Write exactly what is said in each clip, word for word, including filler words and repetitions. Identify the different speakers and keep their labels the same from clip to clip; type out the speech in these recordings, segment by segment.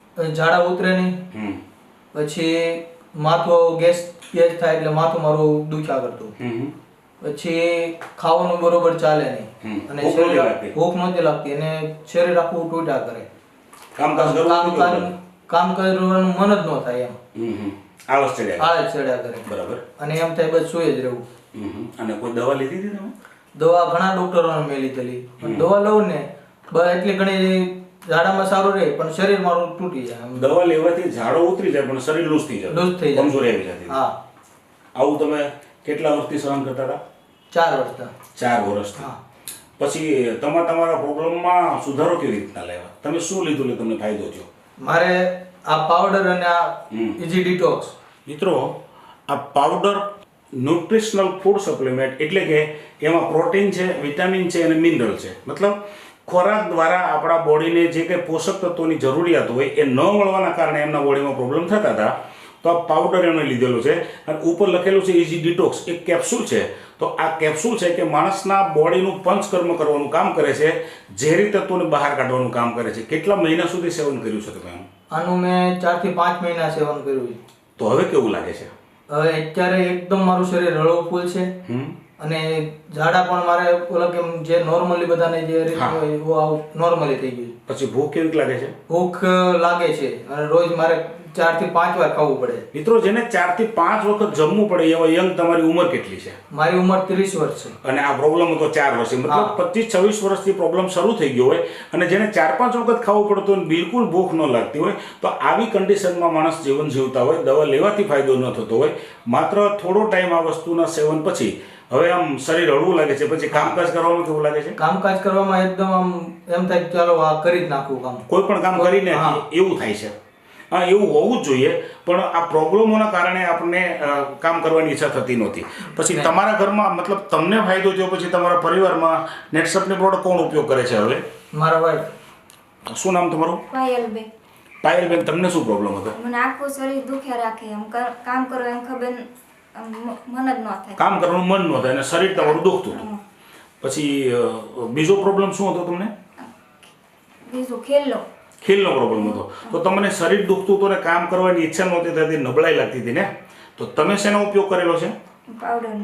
Speaker 1: ઝાડા ઉતરે નહીં,
Speaker 2: હમ
Speaker 1: પછી માથું ગેસ ગેસ થાય એટલે માથું મારું દુખ્યા કરતું,
Speaker 2: હમ
Speaker 1: પછી ખાવાનું બરોબર ચાલે નહીં
Speaker 2: હમ.
Speaker 1: અને
Speaker 2: ભૂખ
Speaker 1: શરીર
Speaker 2: નહોતી લાગતી?
Speaker 1: ભૂખ નહોતી લાગતી અને શરીર આખું તૂટ્યા કરે,
Speaker 2: કામકાજ કરવું
Speaker 1: કામ
Speaker 2: કેવું
Speaker 1: કામ
Speaker 2: લાગે?
Speaker 1: કામ કરવાનું મન જ ન થાય એમ,
Speaker 2: હમ હમ. આળસ ચડ્યા
Speaker 1: આળસ ચડ્યા કરે
Speaker 2: બરાબર.
Speaker 1: અને એમ થાય બસ સુઈ જ રહેવું.
Speaker 2: હમ હમ. અને કોઈ દવા લીધી હતી તમે?
Speaker 1: દવા ઘણા ડોક્ટરોને મેં લીધેલી પણ દવા લઉં ને બસ એટલી ઘણી ઝાડામાં સારું રહે પણ શરીર મારું તૂટી જાય એમ.
Speaker 2: દવા લેવાથી ઝાડો ઉતરી જાય પણ શરીર લૂઝ થઈ જાય,
Speaker 1: લૂઝ થઈ જાય.
Speaker 2: કમજોરી આવી જતી.
Speaker 1: હા,
Speaker 2: આવું તમે કેટલા વર્ષથી સહન કરતા હતા?
Speaker 1: ચાર વર્ષના.
Speaker 2: ચાર વર્ષથી.
Speaker 1: હા.
Speaker 2: પછી તમે તમારા પ્રોબ્લેમમાં સુધારો કેવી રીતના લાવ્યા? તમે શું લીધું એટલે તમને ફાયદો થયો?
Speaker 1: મારે આ પાવડર અને આ
Speaker 2: હમ.
Speaker 1: Easy detox.
Speaker 2: મિત્રો, આ પાવડર ન્યુટ્રિશનલ ફૂડ સપ્લિમેન્ટ એટલે કે એમાં પ્રોટીન છે, વિટામિન છે અને મિનરલ છે. મતલબ ખોરાક દ્વારા આપણા બોડીને જે કંઈ પોષક તત્વોની જરૂરિયાત હોય એ ન મળવાના કારણે એમના બોડીમાં પ્રોબ્લેમ થતા હતા. તો આ પાવડર એમણે લીધેલો છે અને ઉપર લખેલું છે ઇઝી ડિટોક્સ. એક કેપ્સ્યુલ છે. તો આ કેપ્સ્યુલ છે કે માણસના બોડીનું પંચકર્મ કરવાનું કામ કરે છે, ઝેરી તત્વોને બહાર કાઢવાનું કામ કરે છે. કેટલા મહિના સુધી સેવન કર્યું છે તમે?
Speaker 1: આનું મેં ચાર થી પાંચ મહિના સેવન કર્યું છે.
Speaker 2: તો હવે કેવું લાગે છે?
Speaker 1: હવે અત્યારે એકદમ મારું શરીર હળવું ફૂલ છે
Speaker 2: હમ
Speaker 1: અને ઝાડા પણ મારે ઓલા કેમ જે નોર્મલી બધાને જે રીતે હોય એવું નોર્મલી થઈ ગયું.
Speaker 2: પછી ભૂખ કેવી લાગે છે?
Speaker 1: ભૂખ લાગે છે અને રોજ મારે ચાર થી પાંચ વાર ખાવું પડે.
Speaker 2: મિત્રો, જેને ચાર થી પાંચ વખત જમવું પડે એવા યંગ, તમારી ઉંમર કેટલી છે?
Speaker 1: મારી ઉંમર ત્રીસ વર્ષ છે
Speaker 2: અને આ પ્રોબ્લેમ હતો ચાર વર્ષથી, મતલબ પચીસ છવ્વીસ વર્ષથી પ્રોબ્લેમ શરૂ થઈ ગયો હોય અને જેને ચાર પાંચ વખત ખાવું પડતું હોય બિલકુલ ભૂખ ન લાગતી હોય, તો આવી કન્ડિશનમાં માણસ જીવન જીવતા હોય, દવા લેવાથી ફાયદો ન થતો હોય, માત્ર થોડો ટાઈમ આ વસ્તુના સેવન પછી હવે આમ શરીર હળવું લાગે છે. પછી કામકાજ કરવામાં કેવું લાગે છે?
Speaker 1: કામકાજ કરવામાં એકદમ આમ એમ થાય કે ચાલો આ કરી જ નાખવું કામ.
Speaker 2: કોઈ પણ કામ કરીને એવું થાય છે. હા, એવું હોવું જ જોઈએ, પણ આ પ્રોબ્લેમોના કારણે આપણને કામ કરવાની ઈચ્છા થતી નહોતી. પછી તમારા ઘરમાં, મતલબ તમને ફાયદો થયો પછી તમારા પરિવારમાં નેટસપની પ્રોડક્ટ કોણ ઉપયોગ કરે છે હવે?
Speaker 1: મારા વાઈફ.
Speaker 2: શું નામ તમારું?
Speaker 3: પાયલબેન.
Speaker 2: પાયલબેન, તમને શું પ્રોબ્લેમ હતો?
Speaker 3: મને આખું શરીર દુખ્યા રાખે, એમ કર- કામ કરો એમ ખબર આમ મ- મન જ ન થાય.
Speaker 2: કામ કરવાનું મન ન થાય અને શરીર તમારું દુખતું હતું. પછી અ, બીજો પ્રોબ્લેમ શું હતો તમને?
Speaker 3: બીજું ખેલો.
Speaker 2: ખીલનો પ્રોબ્લેમ હતો. તો તમને શરીર દુખતું હતું ને કામ કરવાની ઈચ્છા નહોતી થતી, નબળાઈ લાગતી હતી ને? તો તમે શેનો ઉપયોગ કરેલો છે?
Speaker 3: પાવડરનો.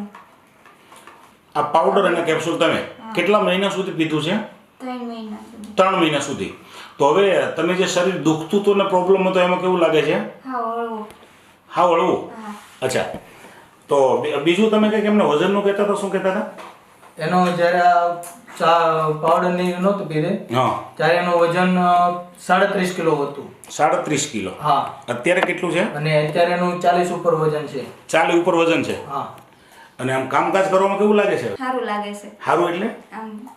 Speaker 2: આ પાવડર અને કેપ્સ્યુલ તમે કેટલા મહિના સુધી પીધું છે?
Speaker 3: ત્રણ મહિના સુધી.
Speaker 2: ત્રણ મહિના સુધી. તો હવે તમે જે શરીર દુખતું હતું ને પ્રોબ્લેમ હતો એમાં કેવું લાગે છે?
Speaker 3: હા, હળવું.
Speaker 2: હા, હળવું.
Speaker 3: હા.
Speaker 2: અચ્છા, તો બી- બીજું તમે કંઈક એમને વજનનું કહેતા હતા, શું કહેતા હતા?
Speaker 1: એનો જ્યારે આ ચા પાવડર ની નહોતું પીધે
Speaker 2: હા,
Speaker 1: ત્યારે એનું વજન અ, સાડત્રીસ કિલો હતું.
Speaker 2: સાડત્રીસ કિલો.
Speaker 1: હા,
Speaker 2: અત્યારે કેટલું છે?
Speaker 1: અને અત્યારે એનું ચાલીસ ઉપર વજન છે.
Speaker 2: ચાલી ઉપર વજન છે.
Speaker 1: હા.
Speaker 2: અને આમ કામકાજ કરવામાં કેવું લાગે છે?
Speaker 3: સારું લાગે છે.
Speaker 2: સારું એટલે?
Speaker 3: આમ